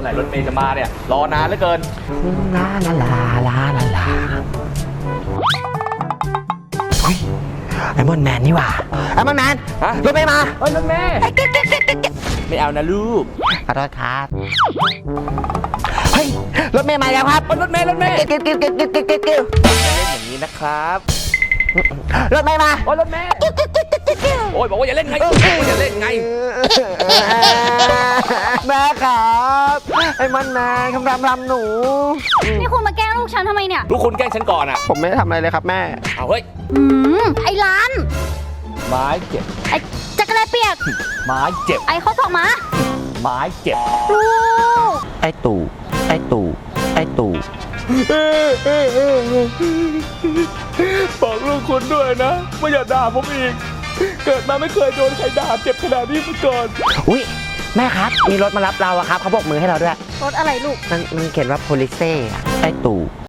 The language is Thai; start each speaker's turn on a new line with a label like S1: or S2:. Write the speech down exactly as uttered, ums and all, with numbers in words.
S1: อไหร่รถเมย์จะมาเนี่ยรอนานเหลือเกินลาลาลาลาลาลา
S2: ไอมอนแมนนี่หว่าไอมอนแมนฮะรถเมย์มา
S1: เฮ้ยรถเมย์ไม่เอานะลูก
S2: ขอโทษครับเฮ้ยรถเมย์มาแล้วครับ
S1: รถเมย์รถเมย์
S2: เกิ้วเกิ้วเกิ้วเกิ้วเกิ้วเกิ้วเกิ้ว
S1: เล่นอย่างนี้นะครับ
S2: รถเมย์มา
S1: โอ้ยรถเมย์โอ้ยบอกว่าอย่าเล่นไงอย่าเล่นไง
S2: แม่ครับไอ้มันแม่คำรำรำหนู
S3: นี่คุณมาแกล้งลูกฉันทำไมเนี่ย
S1: ลูกคุณแกล้งฉันก่อนอ่ะ
S2: ผมไม่ได้ทำอะไรเลยครับแม่
S1: เอาเฮ้ย
S3: อืมไอ้ล้าน
S1: ไม้เจ็บ
S3: ไอ้จักรแลเปียก
S1: ไม้เจ็บ
S3: ไอ้ข้อศอกหมา
S1: ไม้เจ็บ
S3: ลูก
S2: ไอ้ตู่ไอ้ตู่ไอ้ตู่
S1: บอกลูกคุณด้วยนะว่าอย่าด่าผมอีกเกิดมาไม่เคยโดนใครด่าเจ็บขนาดนี้มาก่อน
S2: อุ้ยแม่ครับมีรถมารับเราอะครับเขาโบกมือให้เราด้วย
S3: รถอะไรลูก
S2: มันมันเขียนว่า police ไอ้ตู่